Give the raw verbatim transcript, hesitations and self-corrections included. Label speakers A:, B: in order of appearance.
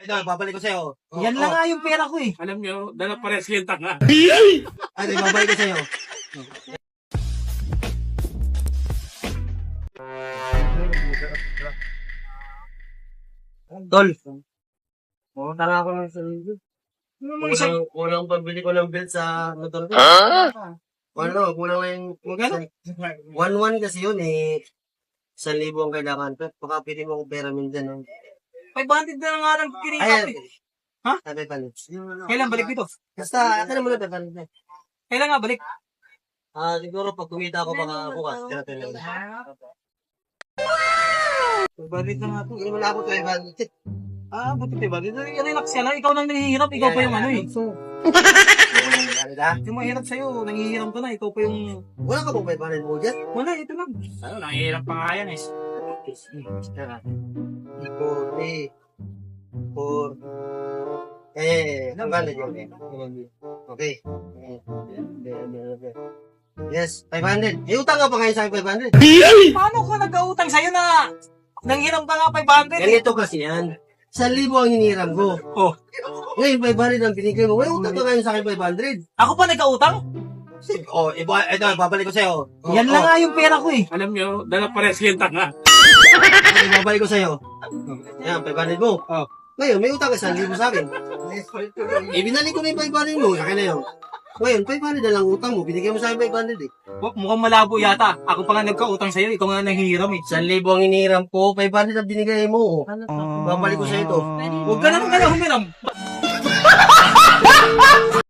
A: Ito, babalik ko sa'yo. Oh,
B: Yan lang
A: oh.
B: nga yung pera ko eh.
C: Alam nyo, dala pares yung tanga.
A: Ito, babalik ko sa'yo. Tol.
B: Oo, tara ako ng sarili.
A: Kulang, kulang pambili ko ng belt sa motor ko. Ano, kulang lang yung...
B: Magkano?
A: one one kasi yun eh. Isang libo ang kailangan. Pero baka pili mo ko pera minsan.
B: five hundred na nga lang kinikap
A: Ayan.
B: eh. Ha?
A: Sabi pa rin.
B: Kailan balik dito?
A: Basta, akin mo na pepa rin.
B: Kailan nga balik?
A: Ah, siguro pag kumita ako baka bukas. Tira lang.
B: Balik na nga to.
A: Hindi mo na ako to eh.
B: Ah, buti diba? Relax ka lang. Ikaw nang nahihirap. Ikaw pa yung ano eh.
A: Ano da?
B: Yung mahirap sa'yo, nangihiram ka na. Ikaw pa yung...
A: Wala ka bang pepa rin mo dyan?
B: Wala, ito lang.
C: Ano, nangihirap pa nga yan eh.
A: Four, three, four. Eh, ang ganda yun eh. Okay. Yes, five hundred. Eh, utang ka pa ngayon sa akin five hundred.
B: Paano ko nag-autang sa'yo na nanghiram ka nga five hundred eh?
A: Ganito kasi yan. Sa libo ang hiniram ko.
B: Oh,
A: Ngayon, five hundred ang binigay mo. Ngayon, utang ka ngayon sa akin five hundred.
B: ako pa nag-autang?
A: Oh, iba, ito, babalik ko sa'yo. Oh,
B: Yan lang
A: oh.
B: nga yung pera ko eh.
C: Alam nyo, dala pares yung tanga.
A: Ito, babalik ko sa'yo. Yan, five hundred mo.
B: Oh.
A: Ngayon, may utang ka sa libo sa akin. Eh, binalik ko na yung five hundred mo. Akin na yun. Ngayon, five hundred na lang utang mo. Binigay mo sa akin five hundred eh.
B: Oh, mukhang malabo yata. Ako pa nga nagka-utang sa'yo. Ikaw nga nanghihiram eh.
A: Sa libo ang hiniram ko, five hundred ang binigay mo. Babalik ko sa'yo ito.
B: Huwag ka naman kaya humiram.